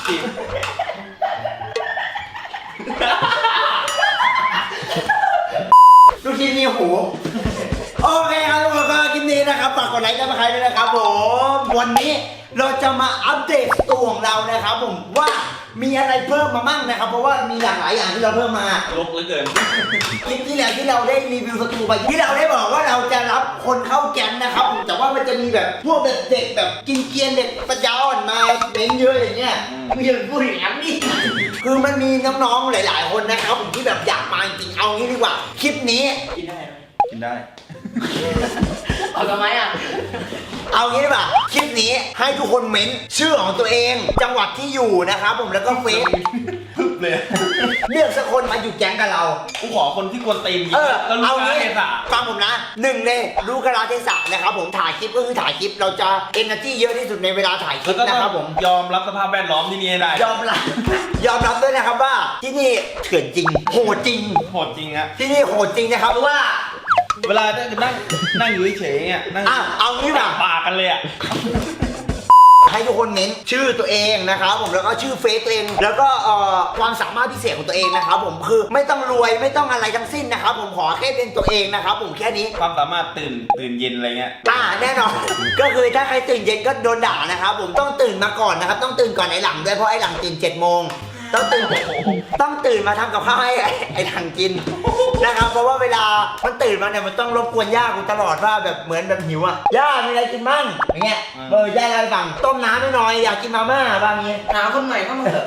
ลูกชิ้นมีหูโอเคครับทุกคนก็คลิปนี้นะครับฝากกดไลค์กันมาใครด้วยนะครับผมวันนี้เราจะมาอัปเดตตัวของเรานะครับผมว่ามีอะไรเพิ่มมามั่งนะครับเพราะว่ามีหลากหลายอย่างที่เราเพิ่มมาลกเหลือเกินคลิปที่แล้วที่เราได้รีวิวสตูไปที่เราได้บอกว่าเราจะรับคนเข้าแก๊งนะครับแต่ว่ามันจะมีแบบพวกเด็กแบบกินเกียนเด็กปัญญาอ่อนมาเม้นเยอะอย่างเงี้ยไม่อยากพูดอย่างนั้นนี่คือมันมีน้องๆหลายๆคนนะครับผมที่แบบอยากมาจริงเอางี้ดีกว่าคลิปนี้กินได้ไหมกินได้เอาทำไมอ่ะเอางี้ดีกว่าคลิปนี้ให้ทุกคนเม้นชื่อของตัวเองจังหวัดที่อยู่นะครับผมแล้วก็เฟซพึบเลยเลือกสักคนมาอยู่แก๊งกับเรากูขอคนที่กวนตีนแล้วรู้กาลเทศะฟังผมนะหนึ่งเลยรู้กาลเทศะนะครับผมถ่ายคลิปก็คือถ่ายคลิปเราจะเอเนอร์จี้เยอะที่สุดในเวลาถ่ายคลิปนะครับผมยอมรับสภาพแวดล้อมที่นี่ได้ยอมรับด้วยนะครับว่าที่นี่เถื่อนจริงโหดจริงอะที่นี่โหดจริงนะครับเพราะว่าเวลานั่งอยู่เฉยๆเนี่ยนั่งเอางี้แบบปากกันเลยอะให้ทุกคนเน้นชื่อตัวเองนะครับผมแล้วก็ชื่อเฟซตัวเองแล้วก็ความสามารถพิเศษของตัวเองนะครับผมคือไม่ต้องรวยไม่ต้องอะไรทั้งสิ้นนะครับผมขอแค่เป็นตัวเองนะครับผมแค่นี้ความสามารถตื่นเย็นอะไรเงี้ยแน่นอนก็คือถ้าใครตื่นเย็นก็โดนด่านะครับผมต้องตื่นมาก่อนนะครับต้องตื่นก่อนไอ้หลังด้วยเพราะไอ้หลังตื่น7 โมงต้องตื่นมาทำกับข้าวให้ไอ้หลังกินนะครับเพราะว่าเวลามันตื่นมาเนี่ยมันต้องรบกวนย่ากูตลอดว่าแบบเหมือนแบบหิวอ่ะย่ามีอะไรกินมั่งอย่างเงี้ยย่าอะไรบ้างต้มน้ำหน่อยอยากกินมาม่าบางเงี้ยหาคนใหม่เข้ามาเถอะ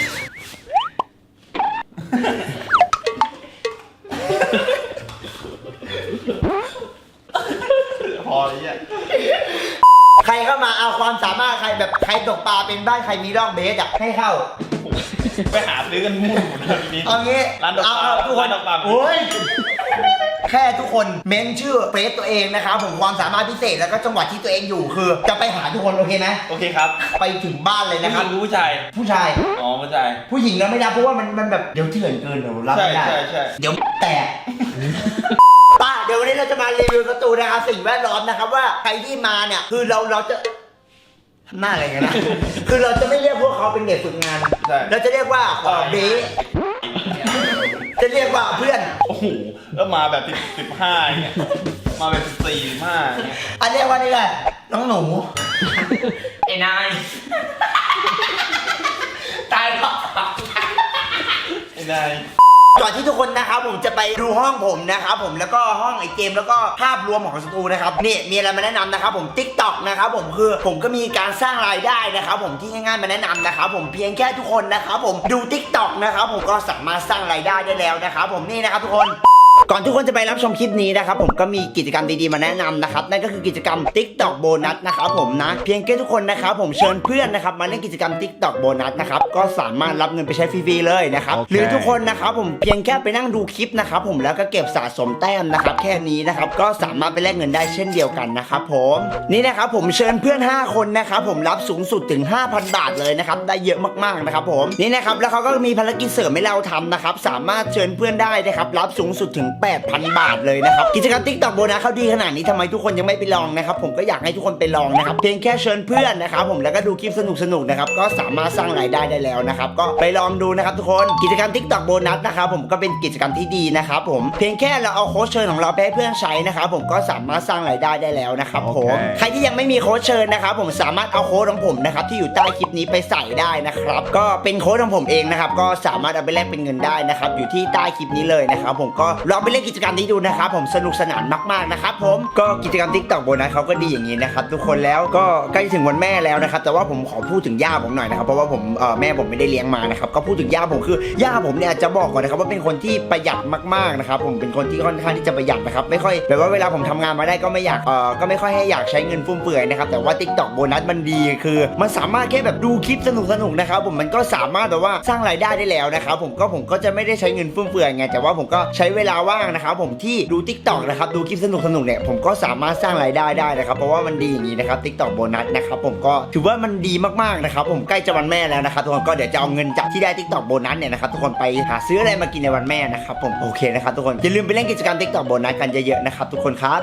พอเลยเนี่ยใครเข้ามาเอาความสามารถใครแบบใครตกปลาเป็นบ้านใครมีร่องเบสอ่ะให้เข้าไปหาซื้อกันมุ่งนี้เอางี้ร้านดอกปลาทุกคนโอ้ยแค่ทุกคนเม้นชื่อเฟซตัวเองนะครับผมความสามารถพิเศษแล้วก็จังหวัดที่ตัวเองอยู่คือจะไปหาทุกคนโอเคไหมโอเคครับไปถึงบ้านเลยนะครับผู้ชายผู้ชายผู้หญิงแล้วไม่รับเพราะว่ามันแบบเดี๋ยวเถื่อนเกินเดี๋ยวรับไม่ได้เดี๋ยวแตกป้าเดี๋ยววันนี้เราจะมารีวิวสตูนะครับสิ่งแวดล้อมนะครับว่าใครที่มาเนี่ยคือเราจะหน้าอะไรกันนะคือเราจะไม่เรียกพวกเขาเป็นเด็กฝึกงานเราจะเรียกว่าเบ๊จะเรียกว่าเพื่อนโอ้โหแล้วมาแบบ15เนี่ยมาแบบ14 15เนี่ยอันเรียกว่านี่ไงน้องหนูไอ้นายตายแล้วไอ้นายก่อนที่ทุกคนนะครับผมจะไปดูห้องผมนะครับผมแล้วก็ห้องไอเกมแล้วก็ภาพรวมของสตูนะครับนี่มีอะไรมาแนะนำนะครับผม TikTok นะครับผมคือผมก็มีการสร้างรายได้นะครับผมที่ง่ายๆมาแนะนำนะครับผมเพียงแค่ทุกคนนะครับผมดู TikTok นะครับผมก็สามารถสร้างรายได้ได้แล้วนะครับผมนี่นะครับทุกคนก่อนทุกคนจะไปรับชมคลิปนี้นะครับผมก็มีกิจกรรมดีๆมาแนะนำนะครับนั่นก็คือกิจกรรม TikTok โบนัสนะครับผมนะเพียงแค่ทุกคนนะครับผมเชิญเพื่อนนะครับมาเล่นกิจกรรม TikTok โบนัสนะครับก็สามารถรับเงินไปใช้ฟรีๆเลยนะครับหรือทุกคนนะครับผมเพียงแค่ไปนั่งดูคลิปนะครับผมแล้วก็เก็บสะสมแต้มนะครับแค่นี้นะครับก็สามารถไปแลกเงินได้เช่นเดียวกันนะครับผมนี่นะครับผมเชิญเพื่อน5 คนนะครับผมรับสูงสุดถึง 5,000 บาทเลยนะครับได้เยอะมากๆนะครับผมนี่นะครับแล้วเขาก็มีภารกิจเสริมให้เราทำนะครับสามารถเชิญเพื่อนได้นะครับรับสูงสุดถึง8,000 บาทเลยนะครับกิจกรรม TikTok โบนัสเขาดีขนาดนี้ทำไมทุกคนยังไม่ไปลองนะครับผมก็อยากให้ทุกคนไปลองนะครับเพียงแค่เชิญเพื่อนนะครับผมแล้วก็ดูคลิปสนุกๆนะครับก็สามารถสร้างรายได้ได้แล้วนะครับก็ไปลองดูนะครับทุกคนกิจกรรม TikTok โบนัสนะครับผมก็เป็นกิจกรรมที่ดีนะครับผมเพียงแค่เราเอาโค้ชเชิญของเราไปให้เพื่อนใช้นะครับผมก็สามารถสร้างรายได้ได้แล้วนะครับผมใครที่ยังไม่มีโค้ชเชิญนะครับผมสามารถเอาโค้ดของผมนะครับที่อยู่ใต้คลิปนี้ไปใส่ได้นะครับก็เป็นโค้ดของผมเองนะครับก็สามารถเอาไปแลกเป็นเงินได้นะครับอยู่ที่ใต้คลิปนี้เลยนะครับผมก็ลองไปเล่นกิจกรรมนี้ดูนะครับผมสนุกสนานมากๆนะครับผมก็กิจกรรม TikTok โบนัสเขาก็ดีอย่างนี้นะครับทุกคนแล้วก็ใกล้ถึงวันแม่แล้วนะครับแต่ว่าผมขอพูดถึงย่าผมหน่อยนะครับเพราะว่าผมแม่ผมไม่ได้เลี้ยงมานะครับก็พูดถึงย่าผมคือย่าผมเนี่ยจะบอกก่อนนะครับว่าเป็นคนที่ประหยัดมากๆนะครับผมเป็นคนที่ค่อนข้างที่จะประหยัดนะครับไม่ค่อยแบบว่าเวลาผมทำงานมาได้ก็ไม่อยากก็ไม่ค่อยให้อยากใช้เงินฟุ่มเฟือยนะครับแต่ว่า TikTok โบนัสมันดีคือมันสามารถแค่แบบดูคลิปสนุกๆนะครับผมมันก็สามารถแบบว่าสร้างรายได้ได้แล้วนะครับผมก็จะไม่ได้ใช้เงินฟุ่มเฟือยไงแต่ว่าผมก็ใช้เวลาว่างนะครับผมที่ดู TikTok นะครับดูคลิปสนุกเนี่ยผมก็สามารถสร้างรายได้ได้นะครับเพราะว่ามันดีอย่างนี้นะครับ TikTok โบนัสนะครับผมก็ถือว่ามันดีมากๆนะครับผมใกล้จะวันแม่แล้วนะครับทุกคนก็เดี๋ยวจะเอาเงินจากที่ได้ TikTok โบนัสเนี่ยนะครับทุกคนไปหาซื้ออะไรมากินในวันแม่นะครับผมโอเคนะครับทุกคนอย่าลืมไปเล่นกิจกรรม TikTok โบนัสกันเยอะๆนะครับทุกคนครับ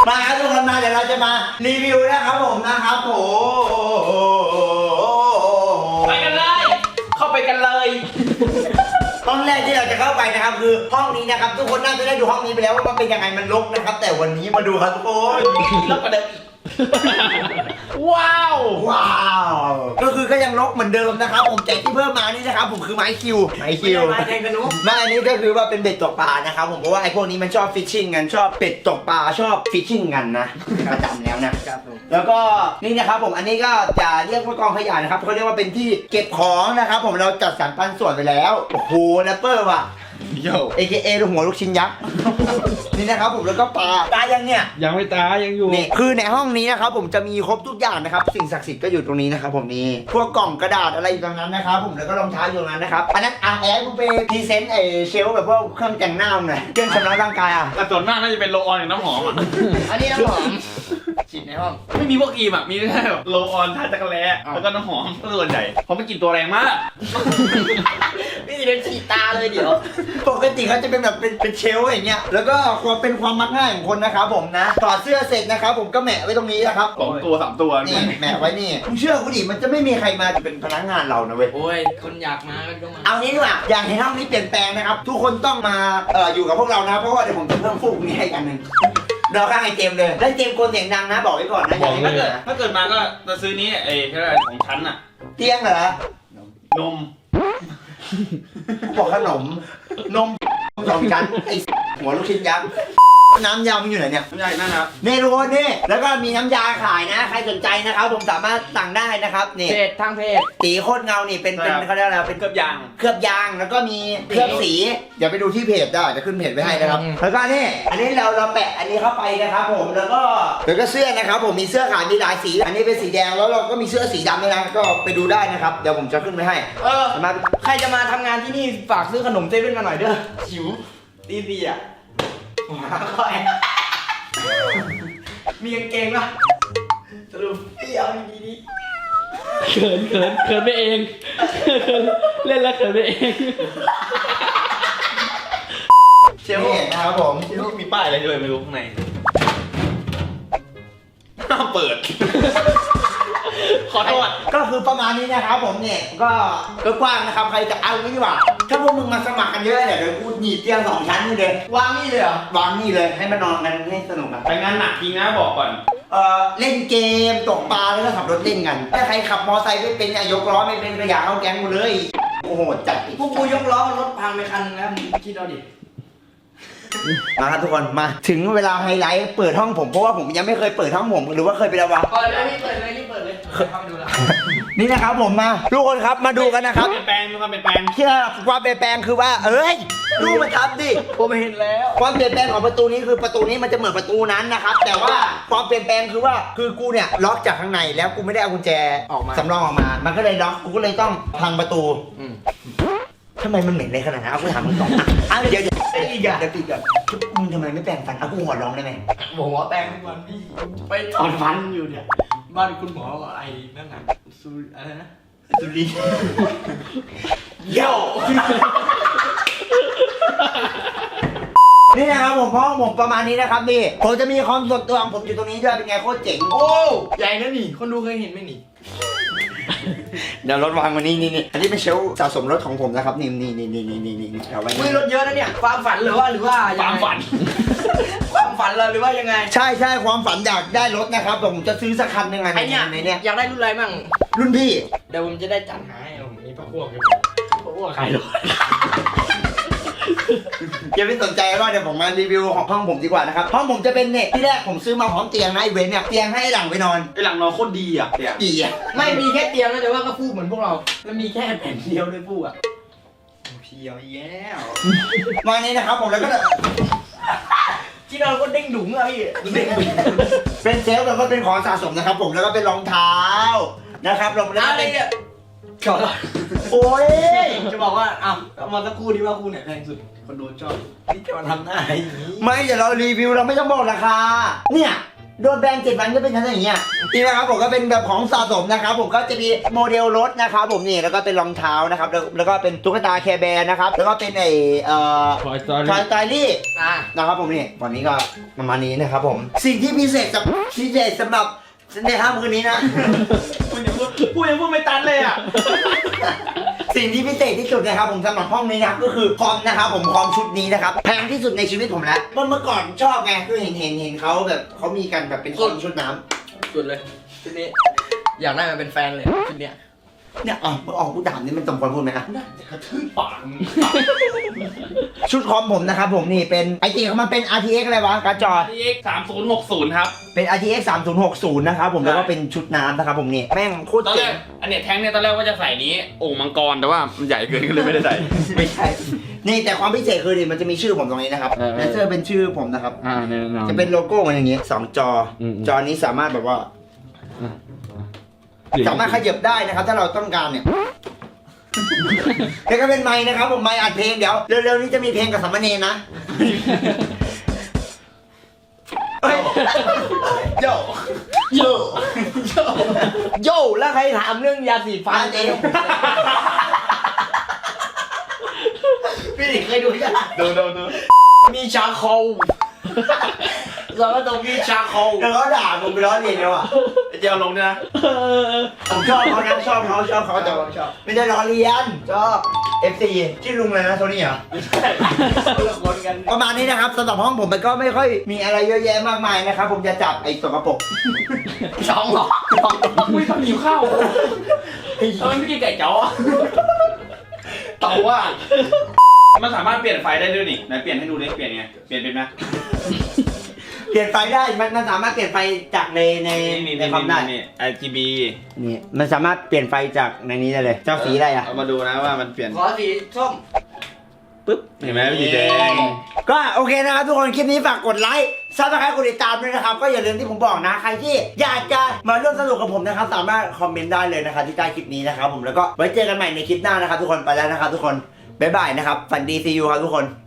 มาครับทุกคนมาเดี๋ยวเราจะมารีวิวนะครับผมนะครับโอ้ไปกันเลย เข้าไปกันเลยห้องแรกที่เราจะเข้าไปนะครับคือห้องนี้นะครับทุกคนน่าจะได้ดูห้องนี้ไปแล้วว่ามันเป็นยังไงมันรกนะครับแต่วันนี้มาดูครับทุกคนแล้วประเด็นว้าวว้าวก็คือก็ยังรกเหมือนเดิมนะครับผมแต่ที่เพิ่มมานี่นะครับผมคือไม้คิวไม่ได้แทงกันนุ๊กไม่อันนี้ก็คือว่าเป็นเบ็ดตกปลานะครับผมเพราะว่าไอ้พวกนี้มันชอบฟิชชิ่งกันชอบเป็ดตกปลาชอบฟิชชิ่งกันนะประจำแล้วนะครับผมแล้วก็นี่นะครับผมอันนี้ก็จะเรียกว่ากองขยะนะครับเขาเรียกว่าเป็นที่เก็บของนะครับผมเราจัดสรรปันส่วนไปแล้วโอ้โหแรปเปอร์ว่ะโย่ AKA หัวลูกชิ้นยักษ์ นี่นะครับผมแล้วก็ปลายังเนี่ยยังไม่ตายยังอยู่นี่คือในห้องนี้นะครับผมจะมีครบทุกอย่างนะครับสิ่งศักดิ์สิทธิ์ก็อยู่ตรงนี้นะครับผมนี่พวกกล่องกระดาษอะไรอยู่ตรงนั้นนะครับผมแล้วก็รองเท้าอยู่ตรงนั้นนะครับอันนั้นแอร์กูไปพรีเซนต์ไอเชลแบบพวกเครื่องแต่งหน้าหน่อยเครื่องชำระร่างกายอ่ะแต่ส่วนมากน่าจะเป็นโรลออนกับน้ำหอมอ่ะอันนี้น้ำหอมฉีดในห้องไม่มีพวกครีมอ่ะ มีแค่แบบโรลออนทาจักรแล้แล้วก็น้ำหอมส่วนใหญ่เพราะมันกลิ่นตัวแรงมากนี่จะเป็นฉีดตาเลยเดี๋ยวปกติเขาจะเป็นแบบเป็นเชลฟ์อย่างเงี้ยแล้วก็ความเป็นความมักง่ายของคนนะครับผมนะถอดเสื้อเสร็จนะครับผมก็แหมะไว้ตรงนี้นะครับ 2 ตัว 3 ตัวนี่แหมะไว้นี่มึงเชื่อกูดิมันจะไม่มีใครมาเป็นพนักงานเรานะเว้ยโอ้ย คนอยากมาก็มาเอางี้ดีกว่าอย่างที่ห้องนี้เปลี่ยนแปลงนะครับ ทุกคนต้องมาอยู่กับพวกเรานะเพราะว่าเดี๋ยวผมจะเพิ่มฟูกนี้ให้กันหนึ่งเราข้างไอ้เจมส์เลยได้เจมส์โกนเสียงดังนะบอกไว้ก่อนนะอย่าให้ถ้าเกิเกิดดถ้าเกิดมาก็จะซื้อนี้ไอ้แค่ของชั้นอ่ะเตียงเหรอนมบอกขนมนมสองชั้นไอ้หัวลูกชิ้นยักษ์น้ำยามันอยู่ไหนเนี่ยไม่ใช่นั่นนะครับนี่ทุกคนนี่แล้วก็มีน้ำยาขายนะใครสนใจนะครับผมสามารถสั่งได้นะครับนี่เพจทางเพจสีโคตรเงานี่เป็นเขาเรียกอะไรเป็นเกือบยางเคลือบยางแล้วก็มีเคลือบสีเดี๋ยวไปดูที่เพจได้จะขึ้นเพจไว้ให้นะครับแล้วก็นี่อันนี้เราแปะอันนี้เข้าไปนะครับผมแล้วก็เสื้อนะครับผมมีเสื้อขายมีหลายสีอันนี้เป็นสีแดงแล้วเราก็มีเสื้อสีดำด้วยนะก็ไปดูได้นะครับเดี๋ยวผมจะขึ้นไว้ให้มาใครจะมาทำงานที่นี่ฝากซื้อขนมเซเว่นมาหน่อยเด้อหิวดีอ่ะค่อยมีกางเกงป่ะสรุปพี่เอาดีๆดิเขินไปเองเล่นแล้วเขินไปเองเชลนี่นะครับผมเชลมีป้ายอะไรด้วยไม่รู้ข้างในห้ามเปิด ขอโทษก็คือประมาณนี้นะครับผมเนี่ยก็กว้างนะครับใครจะเอางี้ดีกว่าถ้าพวกมึงมาสมัครกันเยอะเนี่ยเดี๋ยวกูหนีบเตียง2 ชั้นนี่เลยวางนี่เลยเหรอวางนี่เลยให้มานอนกันให้สนุกกันไปงานหนักจริงนะบอกก่อนเล่นเกมตกปลาแล้วก็ขับรถเล่นกันถ้าใครขับมอไซค์ไม่เป็นเนี่ยยกล้อไม่เป็นก็อย่าเข้าแก๊งกูเลยโอ้โหจัดอีกพวกกูยกล้อรถพังไปคันนึงแล้วมึงคิดเอาดิมาครับทุกคนมาถึงเวลาไฮไลท์เปิดห้องผมเพราะว่าผมยังไม่เคยเปิดห้องผมหรือว่าเคยไปแล้ววะเปิดเลยนี่เปิดเลยนี่เปิดเลยเข้าไปดูแล้วนี่นะครับผมมาทุกคนครับมาดูกันนะครับเปลี่ยนแปลงมีความเปลี่ยนแปลงที่ความเปลี่ยนแปลงคือว่าเอ้ยดูมันทำดิผมเห็นแล้วความเปลี่ยนแปลงของประตูนี้คือประตูนี้มันจะเหมือนประตูนั้นนะครับแต่ว่าความเปลี่ยนแปลงคือว่าคือกูเนี่ยล็อกจากข้างในแล้วกูไม่ได้เอากุญแจออกมาสำรองออกมา มันก็เลยล็อกกูก็เลยต้องพังประตูทำไมมันเหม็นเลยขนาดนั้นเอากูถามมึงก่อนอ่ะเดี๋ยวอีกอ่ะเดี๋ยวปิดก่อนมึงทำไมไม่แปรงฟันเอากูหัวร้องได้ไหมบอกว่าแปรงทุกวันพี่ไปถอนฟันอยู่เนี่ย บ้านคุณหมอไอ้นั่นน่ะซูอะไรนะสุรินทร์เย้านี่นะครับผมห้องผมประมาณนี้นะครับนี่ผมจะมีคอมส่วนตัวของผมอยู่ตรงนี้ด้วยเป็นไงโคตรเจ๋งโอ้ใหญ่นะนี่คนดูเคยเห็นไหมนี่เดี๋ยวรถวางวันนี้นี่อันนี้เป็นเชลฟ์สะสมรถของผมนะครับนี่เอาไว้คุยรถเยอะนะเนี่ยความฝันหรือว่าความฝันความฝันเลยหรือว่ายังไงใช่ความฝันอยากได้รถนะครับแต่ผมจะซื้อสักคันหนึ่งไงไอเนี่ยในเนี่ยอยากได้รุ่นอะไรมั่งรุ่นพี่เดี๋ยวผมจะได้จัดหาให้ผมมีพระพวกอยู่พระพวกใครรถอย่าไปสนใจว่าเดี๋ยวผมมารีวิวของห้องผมดีกว่านะครับห้องผมจะเป็นเนี่ยที่แรกผมซื้อมาพร้อมเตียงนะไอเวนเนี่ยเตียงให้หลังไปนอนไอหลังนอนโคตรดีอ่ะเดี๋ยวกี่อ่ะไม่มีแค่เตียงนะแต่ว่าก็ฟูกเหมือนพวกเราแล้วมีแค่แผ่นเดียวด้วยฟูกอ่ะเพียวแย่วมานี้นะครับผมแล้วก็ที่นอนก็เด้งดุ๋งอะพี่เด้งดุ๋งเป็นเซลฟ์แล้วก็เป็นของสะสมนะครับผมแล้วก็เป็นรองเท้านะครับรองอะเท้าไรเป็นเนี่ยโอ้ยจะบอกว่าอ้าวเอามาสักคู่ที่ว่าคู่ไหนแพงสุดคนดูชอบนี่จะมาทำหน้าอย่างนี้ไม่เดี๋ยวเรารีวิวเราไม่ต้องบอกราคาเนี่ยโดนแบน7 วันก็เป็นชั้นอย่างเงี้ยนี่นะครับผมก็เป็นแบบของสะสมนะครับผมก็จะมีโมเดลรถนะครับผมนี่แล้วก็เป็นรองเท้านะครับแล้วก็เป็นตุ๊กตาแคร์แบร์นะครับแล้วก็เป็นคอยตอนทอยสไตลี่อ่ะนะครับผมนี่วันนี้ก็ประมาณนี้นะครับผมสิ่งที่พิเศษสำหรับในค่ำคืนนี้นะพูดยังพูดไม่ตันเลยอ่ะสิ่งที่พิเศษที่สุดนะครับผมสำหรับห้องนี้นะครับก็คือคอมนะครับผมคอมชุดนี้นะครับแพงที่สุดในชีวิตผมแล้วเมื่อก่อนชอบไงคือเห็นเขาแบบเขามีกันแบบเป็นคอมชุดน้ำสุดเลยชุดนี้ อยากได้มาเป็นแฟนเลยชุดเนี้ยเนี่ยออกกูถามนี่มันสมควรพูดไหมนะกระทืบปากมึงชุดคอมผมนะครับผมนี่เป็นไอจีของมันเป็น RTX อะไรวะการ์ดจอ RTX 3060ครับเป็น RTX 3060นะครับผมแล้วก็เป็นชุดน้ำนะครับผมนี่แม่งโคตรตอนแรเจ๋กงอันเนี้ยแท้งเนี่ยตอนแรกว่าจะใส่นี้โอ่งมังกรแต่ว่ามันใหญ่เกินก็เลยไม่ได้ใส่ไม่ใช่นี่แต่ความพิเศษคือนี่มันจะมีชื่อผมตรงนี้นะครับเลเซอร์เป็นชื่อผมนะครับแน่นอนจะเป็นโลโก้มันอย่างงี้2 จอจอนี้สามารถแบบว่า สามารถขยับได้นะครับ ถ้าเราต้องการเนี่ย แล้วก็เป็นไมค์นะครับผมไมค์อัดเพลงเดี๋ยวเร็วๆนี้จะมีเพลงกับสามเณรนะเฮ้ยโยโยโย่แล้วใครถามเรื่องยาสีฟัฟาน นเองพี่ดิเคยดูยังดูมีชาโคลเราก็ต้องมีชาโคลแล้วเขาด่าผมไปล้อเลียนแล้วอ่ะเจียวลงด้วยนะผมชอบเขานะชอบเขาแต่ผมชอบไม่ได้ล้อเลียนชอบ FC ชื่อลุงเลยนะโทนี่เหรอคนละคนกันประมาณนี้นะครับสำหรับห้องผมมันก็ไม่ค่อยมีอะไรเยอะแยะมากมายนะครับผมจะจับไอ้สกปรกช่องหรออุ้ยทำหิวข้าวทำไมไม่กินไก่จ๋อเต่าว่ามันสามารถเปลี่ยนไฟได้ด้วยนี่ไหนเปลี่ยนให้ดูดิเปลี่ยนไงเปลี่ยนเป็นไหมเปลี่ยนไฟได้มันสามารถเปลี่ยนไฟจากในคอมได้นี่ RGB นี่มันสามารถเปลี่ยนไฟจากในนี้ได้เลยเจ้าสีอะไรอ่ะเอามาดูนะว่ามันเปลี่ยนขอสีส้มปึ๊บเห็นไหมสีแดงก็โอเคนะครับทุกคนคลิปนี้ฝากกดไลค์ซับสไครต์กดติดตามด้วยนะครับก็อย่าลืมที่ผมบอกนะใครที่อยากจะมาร่วมสนุกกับผมนะครับสามารถคอมเมนต์ได้เลยนะครับที่ใต้คลิปนี้นะครับผมแล้วก็ไว้เจอกันใหม่ในคลิปหน้านะครับทุกคนไปแล้วนะครับทุกคนบ๊ายบายนะครับฝันดีซีอูครับทุกคน